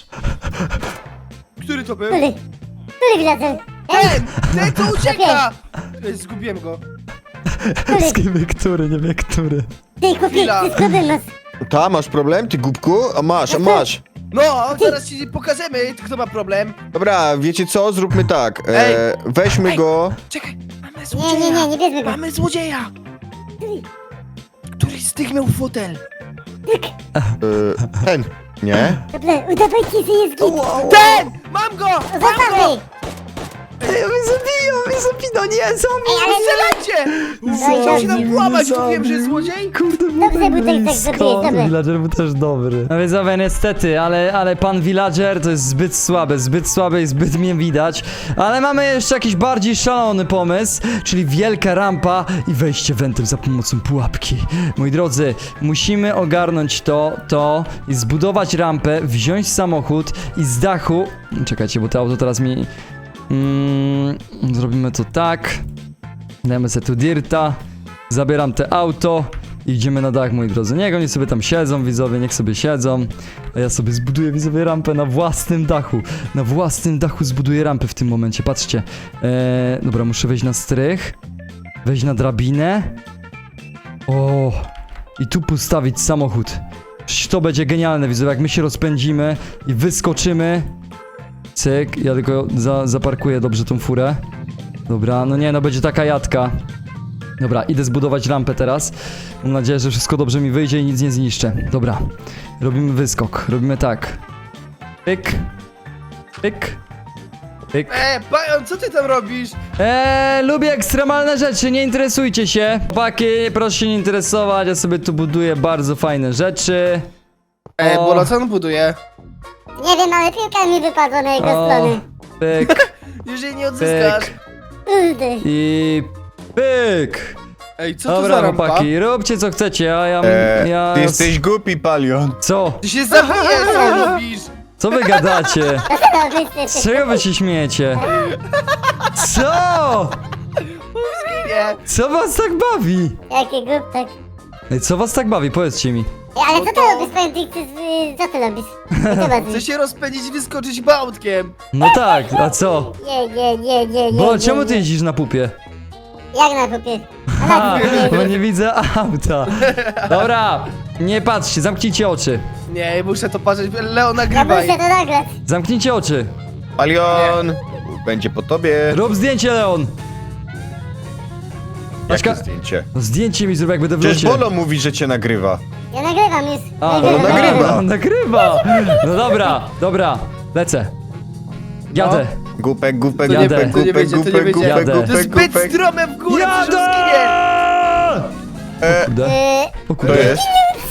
Speaker 6: Który to był?
Speaker 4: Który villager?
Speaker 6: Ten co ucieka! Ej, zgubiłem go.
Speaker 1: Który, nie wie który.
Speaker 4: Ty chłopie,
Speaker 6: Chwila.
Speaker 4: ty skąd masz?
Speaker 5: Ta, masz problem, ty głupku? A masz.
Speaker 6: No, zaraz ci pokażemy, kto ma problem.
Speaker 5: Dobra, wiecie co? Zróbmy tak.
Speaker 6: Ej.
Speaker 5: Weźmy
Speaker 6: Ej.
Speaker 5: go.
Speaker 6: Czekaj, mamy
Speaker 4: Nie,
Speaker 6: złodzieja.
Speaker 4: nie bierzmy go.
Speaker 6: Mamy złodzieja! Któryś z tych miał fotel.
Speaker 5: Ten. Nie?
Speaker 4: Dobra, udawajcie, że jest git.
Speaker 6: Ten! Mam go! Mam go!
Speaker 4: Zostawmy!
Speaker 1: Ej, on mnie zabija, no nie,
Speaker 4: Ej, ale
Speaker 6: Strzelajcie! Chciał się nam włamać, mówiłem, że jest złodziej?
Speaker 1: Kurde,
Speaker 4: Dobrze, bo tak zrobiłeś, dobra.
Speaker 1: Villager był też dobry. No więc Zawe, niestety, ale pan Villager to jest zbyt słaby i zbyt mnie widać. Ale mamy jeszcze jakiś bardziej szalony pomysł, czyli wielka rampa i wejście wentem za pomocą pułapki. Moi drodzy, musimy ogarnąć to i zbudować rampę, wziąć samochód i z dachu... Czekajcie, bo to auto teraz mi... zrobimy to tak. Dajemy sobie tu dirta. Zabieram te auto i idziemy na dach, moi drodzy. Niech oni sobie tam siedzą, widzowie, niech sobie siedzą. A ja sobie zbuduję, widzowie, rampę na własnym dachu. Na własnym dachu zbuduję rampę w tym momencie, patrzcie. Dobra, muszę wejść na strych. Wejść na drabinę. O, i tu postawić samochód. Przecież to będzie genialne, widzowie, jak my się rozpędzimy i wyskoczymy. Cyk, ja tylko zaparkuję dobrze tą furę. Dobra, no nie, no będzie taka jadka. Dobra, idę zbudować rampę teraz. Mam nadzieję, że wszystko dobrze mi wyjdzie i nic nie zniszczę. Dobra, robimy wyskok. Robimy tak. Pyk. Pyk. Pyk.
Speaker 6: Bajon, co ty tam robisz?
Speaker 1: Lubię ekstremalne rzeczy, nie interesujcie się. Chłopaki, proszę się nie interesować, ja sobie tu buduję bardzo fajne rzeczy. O.
Speaker 6: Bolo, co on buduje?
Speaker 4: Nie wiem, ale piłka mi wypadła na jego stronę.
Speaker 1: Pyk,
Speaker 6: Jeżeli nie odzyskasz.
Speaker 1: pyk
Speaker 4: Kurde.
Speaker 1: i pyk.
Speaker 6: Ej, co to
Speaker 1: Dobra,
Speaker 6: za rampa?
Speaker 1: chłopaki, róbcie co chcecie, a ja...
Speaker 5: Ty jesteś głupi, Palion.
Speaker 1: Co?
Speaker 6: Ty się zabijesz, co robisz?
Speaker 1: Co wy gadacie?
Speaker 4: Dobra,
Speaker 1: Z czego wy się śmiejecie? Co?
Speaker 6: Nie.
Speaker 1: Co was tak bawi?
Speaker 4: Jaki głuptak.
Speaker 1: Ej, co was tak bawi? Powiedzcie mi.
Speaker 4: Ej, ale co ty robisz, powiem ty, co ty robisz? Co
Speaker 6: Chcę
Speaker 4: robisz?
Speaker 6: się rozpędzić i wyskoczyć bałtkiem.
Speaker 1: No tak, a co?
Speaker 4: Nie.
Speaker 1: Bo czemu ty jeździsz na pupie?
Speaker 4: Jak na popie?
Speaker 1: Ha, bo nie widzę auta. Dobra, nie patrzcie, zamknijcie oczy.
Speaker 6: Nie, muszę to patrzeć. Leo,
Speaker 4: Ja
Speaker 6: nagrywaj.
Speaker 4: muszę to nagrać.
Speaker 1: Zamknijcie oczy.
Speaker 5: Palion! Będzie po tobie.
Speaker 1: Rób zdjęcie, Leon.
Speaker 5: Jakie
Speaker 1: Paczka-
Speaker 5: zdjęcie?
Speaker 1: No zdjęcie mi zrób, jak będę w
Speaker 5: Przecież
Speaker 1: locie.
Speaker 5: Bolo mówi, że cię nagrywa.
Speaker 4: Ja nagrywam już.
Speaker 1: A,
Speaker 5: no nagrywa.
Speaker 1: Nagrywa. No dobra. Lecę. Jadę.
Speaker 5: Głupek, głupek,
Speaker 7: To
Speaker 1: nie-
Speaker 5: głupek,
Speaker 7: to nie
Speaker 5: głupek,
Speaker 7: będzie, to nie
Speaker 5: głupek,
Speaker 7: będzie.
Speaker 5: głupek,
Speaker 1: Jadę.
Speaker 6: To jest
Speaker 5: głupek,
Speaker 6: zbyt
Speaker 5: głupek.
Speaker 6: strome w górę, przecież on
Speaker 1: Jadę!
Speaker 6: zginie.
Speaker 1: Kurde.
Speaker 4: Yy,
Speaker 1: O
Speaker 5: To
Speaker 1: kurde.
Speaker 5: jest?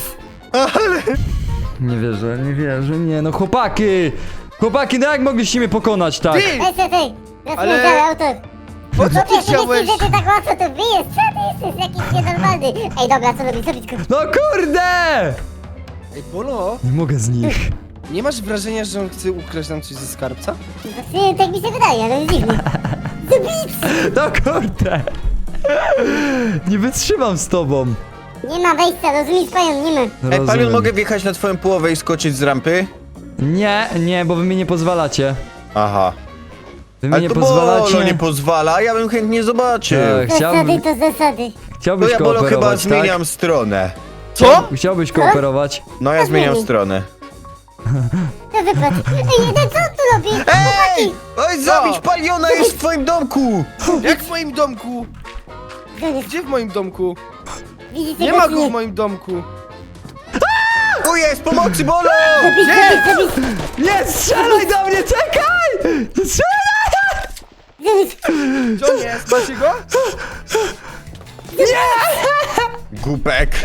Speaker 1: Nie wierzę, nie no chłopaki! Chłopaki, no jak mogliście mnie pokonać, tak?
Speaker 6: Ty!
Speaker 4: weź ty,
Speaker 6: Ale-
Speaker 4: ale... auto.
Speaker 6: Po co
Speaker 4: No
Speaker 6: ty
Speaker 4: ty
Speaker 6: chciałeś?
Speaker 4: myślisz, że ty tak łatwo to bijesz? Co ty jesteś jakiś nienormalny? Ej, dobra, co robisz go?
Speaker 1: No kurde!
Speaker 7: Ej, Bolo,
Speaker 1: Nie mogę z nich.
Speaker 7: nie masz wrażenia, że on chce ukraść nam coś ze skarbca?
Speaker 4: Właśnie tak mi się wydaje, ale jest dziwny.
Speaker 1: No kurde! Nie wytrzymam z tobą.
Speaker 4: Nie ma wejścia, rozumiesz, Palion, nie ma.
Speaker 5: Ej, Palion,
Speaker 1: Rozumiem.
Speaker 5: mogę wjechać na twoją połowę i skoczyć z rampy?
Speaker 1: Nie, bo wy mi nie pozwalacie.
Speaker 5: Aha.
Speaker 1: Wy mi
Speaker 5: Ale
Speaker 1: nie
Speaker 5: to
Speaker 1: pozwalacie.
Speaker 5: Bolo nie pozwala, ja bym chętnie zobaczył.
Speaker 1: Tak,
Speaker 4: Zasady to zasady.
Speaker 5: To
Speaker 1: chciałbyś
Speaker 5: ja, Bolo, chyba
Speaker 1: kooperować,
Speaker 5: zmieniam stronę.
Speaker 6: Co?
Speaker 1: Chciałbyś kooperować?
Speaker 5: No, ja zmieniam stronę.
Speaker 4: To wypadł. Ej, jeden, co on tu robi?
Speaker 5: Ej! Oj, zabić Paliona jest w twoim domku!
Speaker 6: Jak w moim domku?
Speaker 4: Gdzie
Speaker 6: Gdzie w moim domku?
Speaker 4: Widzicie
Speaker 6: Nie
Speaker 4: go,
Speaker 6: ma
Speaker 4: czy
Speaker 6: go w moim domku.
Speaker 5: Tu jest, pomocy, Bolo!
Speaker 4: Zabij.
Speaker 1: Nie strzelaj do mnie, czekaj! Nie strzelaj!
Speaker 6: Gdzie on jest? Macie go?
Speaker 5: Głupek.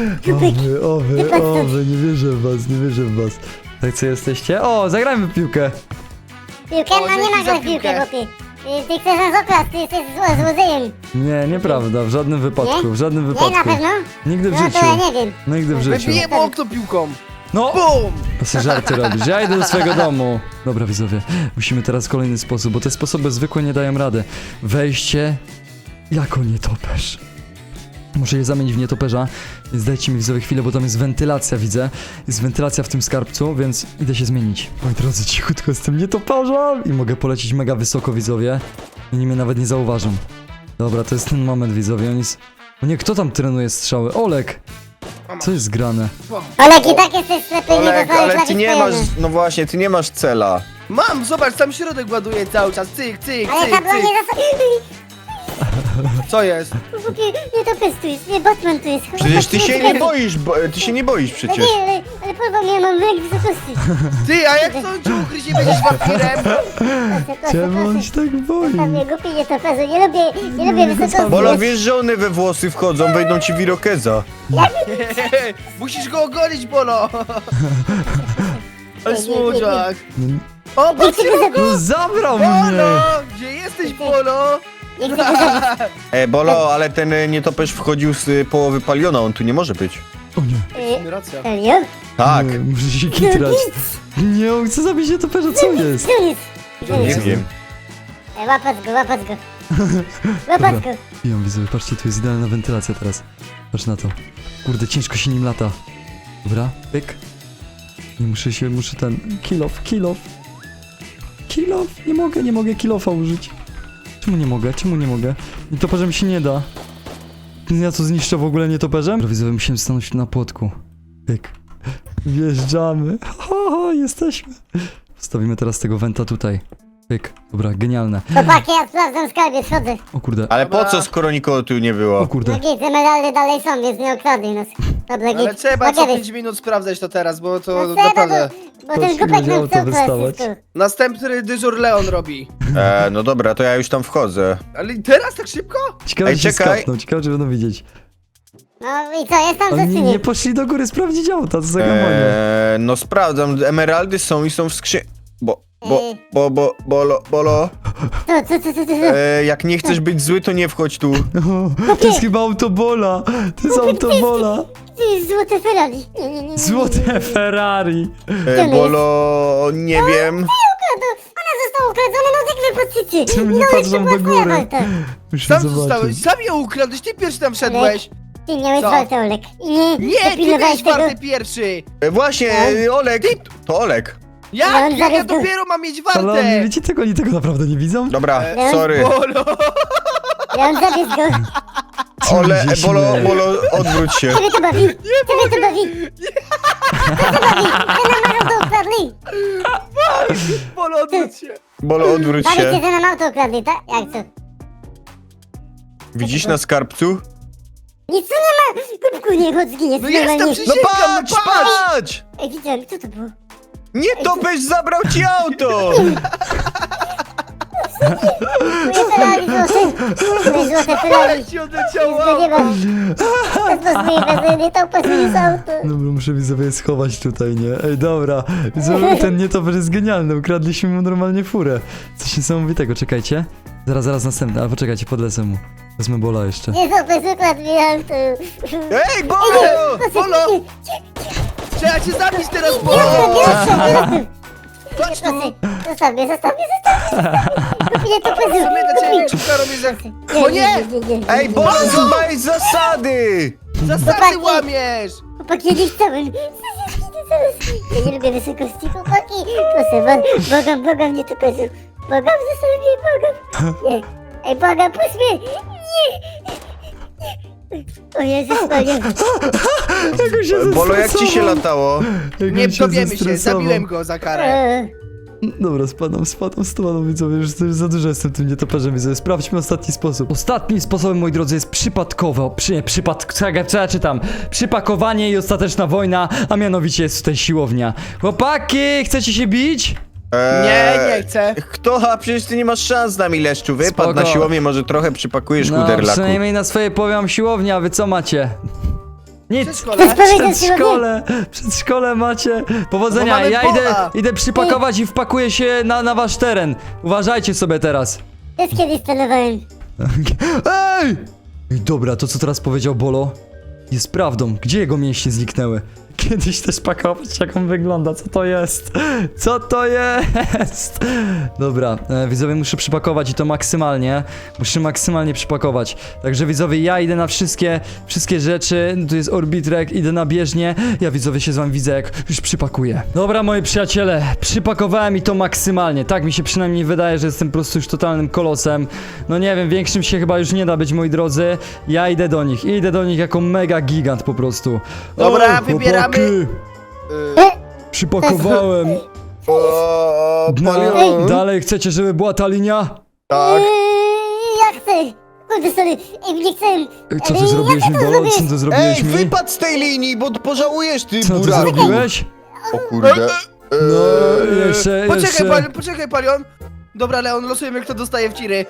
Speaker 1: Owy, nie wierzę w was. Tak co jesteście? O, zagrajmy w piłkę.
Speaker 4: Piłkę?
Speaker 6: O,
Speaker 4: No nie
Speaker 6: dzięki
Speaker 4: ma
Speaker 6: za
Speaker 4: go w piłkę,
Speaker 6: piłkę.
Speaker 4: chłopie. Ty chcesz nas okraść, ty jesteś złodziejem.
Speaker 1: Nie, nieprawda, w żadnym wypadku, w żadnym
Speaker 4: Nie, na
Speaker 1: wypadku.
Speaker 4: pewno?
Speaker 1: Nigdy w
Speaker 4: No
Speaker 1: życiu.
Speaker 4: to ja nie wiem.
Speaker 1: Nigdy w życiu.
Speaker 6: Wybiję mu okno piłką.
Speaker 1: No!
Speaker 6: Bum!
Speaker 1: To sobie żarty robisz. Ja idę do swojego domu. Dobra, widzowie, musimy teraz kolejny sposób, bo te sposoby zwykłe nie dają rady. Wejście jako nietoperz. Muszę je zamienić w nietoperza, więc dajcie mi widzowie chwilę, bo tam jest wentylacja, widzę. Jest wentylacja w tym skarbcu, więc idę się zmienić. Moi drodzy, cichutko z tym nietoperzem i mogę polecieć mega wysoko, widzowie. Oni mnie nawet nie zauważą. Dobra, to jest ten moment, widzowie. On jest... O nie, kto tam trenuje strzały? Olek! Co jest grane?
Speaker 4: Olek, i tak jesteś ślepy, nie
Speaker 5: Olek,
Speaker 4: dostajesz
Speaker 5: ale ty
Speaker 4: lagi
Speaker 5: nie masz,
Speaker 4: spojony.
Speaker 5: no właśnie, ty nie masz cela.
Speaker 6: Mam, zobacz, tam środek ładuje cały czas. Cyk, cyk,
Speaker 4: Ale
Speaker 6: cyk,
Speaker 4: tablo
Speaker 6: cyk.
Speaker 4: nie zasłania.
Speaker 6: Co jest?
Speaker 4: Chłopie, nie to pes tu jest, nie Batman tu jest.
Speaker 5: Przecież ty się nie boisz, ty się nie boisz
Speaker 4: No
Speaker 5: przecież.
Speaker 4: nie, ale porwał mnie, mam lęk wysokości.
Speaker 6: Ty, a jak to cię ukryć, nie będziesz wampirem?
Speaker 1: Czemu on się tak boi?
Speaker 4: Tam mnie głupi nie to pezu, nie lubię wysokości.
Speaker 5: Bolo, wiesz, że one we włosy wchodzą, wejdą ci w irokeza.
Speaker 6: Musisz go ogolić, Bolo. Ale słodziak. O, patrzcie,
Speaker 1: No zabrał mnie!
Speaker 6: Bolo! Gdzie jesteś, Bolo?
Speaker 4: Nie chcę go zabić.
Speaker 5: Bolo, ale ten nietoperz wchodził z połowy Paliona, on tu nie może być.
Speaker 1: O nie,
Speaker 6: Racja.
Speaker 4: Serio?
Speaker 5: Tak,
Speaker 1: nie, muszę się kitrać. Nie, on chce zabić nietoperza, co jest?
Speaker 4: Tu jest.
Speaker 5: nie wiem.
Speaker 4: Łapać go. Łapać go.
Speaker 1: Ją widzowie, patrzcie, tu jest idealna wentylacja teraz. Patrz na to. Kurde, ciężko się nim lata. Dobra, pyk. Nie muszę ten... Kill off. Nie mogę kill-offa użyć. Czemu nie mogę? Nietoperzem się nie da. Ja to zniszczę w ogóle nietoperzem? Dobra, widzowie, musimy stanąć na płotku. Pyk. Wjeżdżamy. Jesteśmy. Wstawimy teraz tego wenta tutaj. Pyk. Dobra, genialne.
Speaker 4: Chłopaki, ja sprawdzam skarbiec, chodzę.
Speaker 1: O kurde.
Speaker 5: Ale po co, skoro nikogo tu nie
Speaker 1: O
Speaker 5: było?
Speaker 1: kurde.
Speaker 4: No git, emeraldy dalej są, więc nie okradli nas. Dobra, git.
Speaker 6: Ale trzeba
Speaker 4: No
Speaker 6: co
Speaker 4: kiedyś.
Speaker 6: 5 minut sprawdzać to teraz, bo to
Speaker 4: No trzeba,
Speaker 6: naprawdę...
Speaker 4: bo ten
Speaker 1: się
Speaker 4: głupek
Speaker 1: wiedziało,
Speaker 4: nam
Speaker 1: to
Speaker 4: chce
Speaker 1: wystawać.
Speaker 4: ukraść.
Speaker 6: Następny dyżur Leon robi.
Speaker 5: No dobra, to ja już tam wchodzę.
Speaker 6: Ale teraz tak szybko?
Speaker 1: Ciekawe,
Speaker 5: Ej,
Speaker 1: czy się
Speaker 5: czekaj.
Speaker 1: skapną, ciekawe, czy będą widzieć.
Speaker 4: No i co, jest tam coś
Speaker 1: Oni
Speaker 4: czy
Speaker 1: nie
Speaker 4: nie?
Speaker 1: poszli do góry sprawdzić auta, co za gamonie.
Speaker 5: No sprawdzam, emeraldy są i są w skrzynce. Bolo,
Speaker 4: Co?
Speaker 5: jak nie chcesz być zły, to nie wchodź tu.
Speaker 1: To jest chyba autobola. To jest autobola.
Speaker 4: Ty, złote Ferrari. Nie.
Speaker 1: Złote Ferrari.
Speaker 5: Bolo, nie wiem.
Speaker 4: Ona została ukradziona, no jak wy patrzycie.
Speaker 1: Czemu nie
Speaker 4: No,
Speaker 1: patrzą
Speaker 4: jeszcze
Speaker 1: do
Speaker 4: była twoja
Speaker 1: góry?
Speaker 4: walka.
Speaker 1: Musimy
Speaker 6: Sam
Speaker 1: zobaczyć.
Speaker 6: zostałeś, sam ją ukradłeś, ty pierwszy tam wszedłeś.
Speaker 4: Ty miałeś
Speaker 6: Co?
Speaker 4: walkę, Olek. I nie
Speaker 6: Nie, ty
Speaker 4: dopilnowałeś
Speaker 6: byłeś warty
Speaker 4: tego.
Speaker 6: pierwszy.
Speaker 5: Właśnie, Olek, to Olek.
Speaker 6: Jak?
Speaker 4: Leon,
Speaker 6: Jak ja
Speaker 4: zaraz go-
Speaker 6: dopiero mam mieć
Speaker 1: Ale oni,
Speaker 6: wartę?
Speaker 1: wiecie tego, oni tego naprawdę nie widzą?
Speaker 5: Dobra,
Speaker 4: Leon?
Speaker 5: sorry.
Speaker 6: Bolo!
Speaker 4: Leon, zabierz go.
Speaker 5: Ole,
Speaker 1: Gdzie się
Speaker 5: Bolo,
Speaker 1: śmieje?
Speaker 5: Bolo, odwróć się.
Speaker 4: Ciebie to bawi. Ciebie to bawi. Co to bawi? Ty nam auto ukradli.
Speaker 6: Bolo, odwróć się.
Speaker 5: Bolo, odwróć
Speaker 4: Bawicie,
Speaker 5: się.
Speaker 4: że nam auto ukradli, tak? Jak to?
Speaker 5: Widzisz na skarbcu?
Speaker 4: Nic tu nie ma. Kubku, nie chodź, zginiesz.
Speaker 6: No jest tam
Speaker 4: normalnie.
Speaker 6: przy-
Speaker 5: No
Speaker 6: Sięgam,
Speaker 5: patrz,
Speaker 6: no patrz!
Speaker 5: patrz!
Speaker 4: Ej, widziałem, co to było?
Speaker 5: Nie, topesz zabrał ci auto!
Speaker 4: Moje Ferrari złote. Moje złote Ferrari.
Speaker 6: Ci odleciało!
Speaker 4: Nic go nie ma. To jest możliwe, nie to pasuje auto.
Speaker 1: Dobra, muszę widzowie schować tutaj, nie? Ej, dobra. Widzowie, ten nietoperz jest genialny. Ukradliśmy mu normalnie furę. Coś niesamowitego, czekajcie. Zaraz następny, ale poczekajcie, podlecę mu. Wezmę Bola jeszcze.
Speaker 4: Nie to ukradł mi auto.
Speaker 5: Ej, Bolo!
Speaker 6: Bolo! Trzeba cię zabić teraz, bo... Chodź tu!
Speaker 4: Zostaw mnie. Kupię to
Speaker 6: W sumie dla ciebie większą karą jest jak... O nie!
Speaker 5: Ej, Bolo, złamałeś zasady!
Speaker 6: Zasady łamiesz!
Speaker 4: Chłopaki, ja nie chciałem. Ja nie lubię wysokości, chłopaki. Proszę, błagam mnie to kozu. Błagam, zostaw mnie, błagam. Nie. Ej, błagam, puść mnie. Nie. O Jezus, Maria.
Speaker 1: Jak on się
Speaker 5: Bolo, jak ci się
Speaker 1: zestresował.
Speaker 5: latało?
Speaker 1: Jak
Speaker 6: Nie
Speaker 1: on
Speaker 6: dowiemy się,
Speaker 1: zestresował.
Speaker 6: zabiłem go za karę.
Speaker 1: Dobra, spadam, widzowie, już za dużo jestem tym nietoperzem, widzowie. Sprawdźmy ostatni sposób. Ostatnim sposobem, moi drodzy, jest przypadkowe, co ja czytam? Przypakowanie i ostateczna wojna, a mianowicie jest tutaj siłownia. Chłopaki, chcecie się bić?
Speaker 6: Nie chcę.
Speaker 5: Kto? A przecież ty nie masz szans z nami, Leszczu. Wypadł
Speaker 1: Spoko.
Speaker 5: na siłownię, może trochę przypakujesz
Speaker 1: No,
Speaker 5: kuderlaku.
Speaker 1: przynajmniej na swoje powiem siłownia, a wy co macie? Nic.
Speaker 6: Przedszkole.
Speaker 1: Przedszkole macie.
Speaker 6: Bo
Speaker 1: Powodzenia,
Speaker 6: mamy
Speaker 1: ja
Speaker 6: Bola.
Speaker 1: idę przypakować i wpakuję się na wasz teren. Uważajcie sobie teraz.
Speaker 4: Też kiedyś celowałem.
Speaker 1: Ej! Ej, dobra, to co teraz powiedział Bolo jest prawdą. Gdzie jego mięśnie zniknęły? Kiedyś też pakować, jak on wygląda. Co to jest? Co to jest? Dobra, widzowie, muszę przypakować i to maksymalnie. Muszę maksymalnie przypakować. Także widzowie, ja idę na wszystkie rzeczy. Tu jest orbitrek, idę na bieżnię. Ja widzowie się z wami widzę, jak już przypakuję. Dobra, moi przyjaciele, przypakowałem i to maksymalnie. Tak mi się przynajmniej wydaje, że jestem po prostu już totalnym kolosem. No nie wiem, większym się chyba już nie da być, moi drodzy. Ja idę do nich jako mega gigant po prostu.
Speaker 6: Dobra,
Speaker 1: O,
Speaker 6: wybieramy.
Speaker 1: chłopaki, przypakowałem.
Speaker 5: O, Palion.
Speaker 1: Dalej chcecie, żeby była ta linia?
Speaker 5: Tak.
Speaker 4: Ja chcę. Kurde, sorry. Ej, nie chcę.
Speaker 1: Co ty zrobiłeś mi, Bolo? Co ty zrobiłeś
Speaker 5: Ej,
Speaker 1: mi?
Speaker 5: wypadł z tej linii, bo pożałujesz, ty
Speaker 1: Co ty
Speaker 5: buraku.
Speaker 1: zrobiłeś?
Speaker 5: O kurde.
Speaker 1: No, jeszcze...
Speaker 6: Poczekaj, Palion. Dobra, Leon, losujemy, kto dostaje w ciry.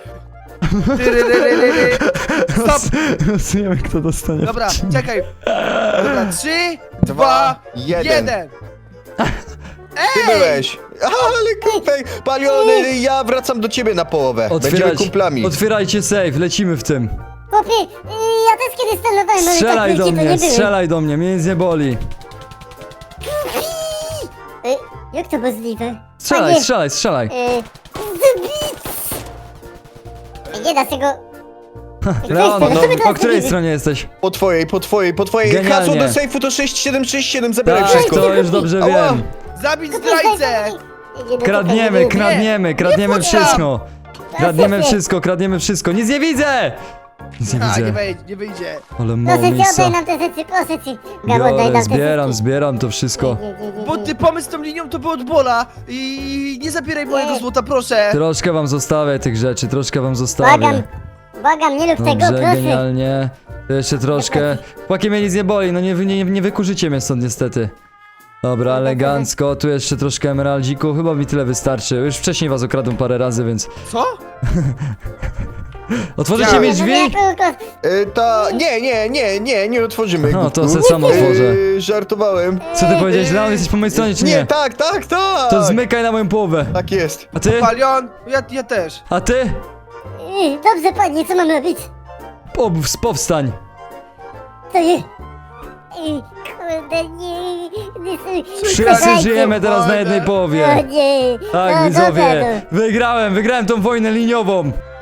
Speaker 6: Stop!
Speaker 1: Losujemy, kto dostanie.
Speaker 6: Dobra, czekaj. Dobra, 3, 2,
Speaker 5: Dwa,
Speaker 6: 1.
Speaker 5: jeden. Ty byłeś. Ale kupej. Palion, ja wracam do ciebie na połowę. Będziemy kumplami.
Speaker 1: Otwierajcie safe, lecimy w tym.
Speaker 4: Chłopie, ja też kiedyś celowałem, ale
Speaker 1: Strzelaj
Speaker 4: tak
Speaker 1: do
Speaker 4: wiecie, to
Speaker 1: mnie,
Speaker 4: nie byłem.
Speaker 1: strzelaj do mnie, mnie nic nie boli.
Speaker 4: Jak to możliwe?
Speaker 1: Strzelaj,
Speaker 4: Panie,
Speaker 1: strzelaj, strzelaj.
Speaker 4: Nie da się go...
Speaker 1: Leon,
Speaker 4: co wy teraz
Speaker 1: po której
Speaker 4: zrobicie?
Speaker 1: stronie jesteś?
Speaker 5: Po twojej.
Speaker 1: Genialnie.
Speaker 5: Hasło do sejfu to 6767, zabieraj
Speaker 1: Tak,
Speaker 5: wszystko.
Speaker 1: to już dobrze
Speaker 5: Ała.
Speaker 1: wiem.
Speaker 6: Zabić zdrajcę!
Speaker 1: Kradniemy wszystko. Kradniemy wszystko. Nic nie widzę! Nic nie
Speaker 6: A,
Speaker 1: widzę.
Speaker 6: nie wyjdzie.
Speaker 1: Ale mało
Speaker 4: Proszę cię,
Speaker 1: miejsca.
Speaker 4: oddaj nam te rzeczy, proszę cię. Gabo, oddaj nam te
Speaker 1: Zbieram,
Speaker 4: rzeczy.
Speaker 1: zbieram to wszystko.
Speaker 6: Bo ty pomysł z tą linią to był od Bola i nie zabieraj mojego złota, proszę.
Speaker 1: Troszkę wam zostawię tych rzeczy, troszkę wam zostawię.
Speaker 4: Błagam, nie rób tego,
Speaker 1: Dobrze,
Speaker 4: proszę.
Speaker 1: genialnie. To jeszcze troszkę. Chłopaki, mnie nic nie boli, no nie wykurzycie mnie stąd niestety. Dobra, elegancko, tu jeszcze troszkę emeraldziku, chyba mi tyle wystarczy. Już wcześniej was okradłem parę razy, więc...
Speaker 6: Co?
Speaker 1: Otworzycie mi drzwi?
Speaker 5: Nie otworzymy.
Speaker 1: No, to
Speaker 5: głupku.
Speaker 1: se sam otworzę.
Speaker 5: Żartowałem.
Speaker 1: Co ty powiedziałeś, Leon? Jesteś po mojej stronie, czy nie?
Speaker 5: Nie, tak.
Speaker 1: To zmykaj na moją połowę.
Speaker 5: Tak jest.
Speaker 1: A ty?
Speaker 6: Palion, ja też.
Speaker 1: A ty?
Speaker 4: Dobrze, panie, co mam robić?
Speaker 1: Powstań.
Speaker 4: To jest... Kurde, nie...
Speaker 1: Wszyscy żyjemy teraz na jednej
Speaker 4: O
Speaker 1: połowie.
Speaker 4: nie.
Speaker 1: Tak,
Speaker 4: No,
Speaker 1: widzowie.
Speaker 4: dobra,
Speaker 1: Wygrałem tą wojnę liniową.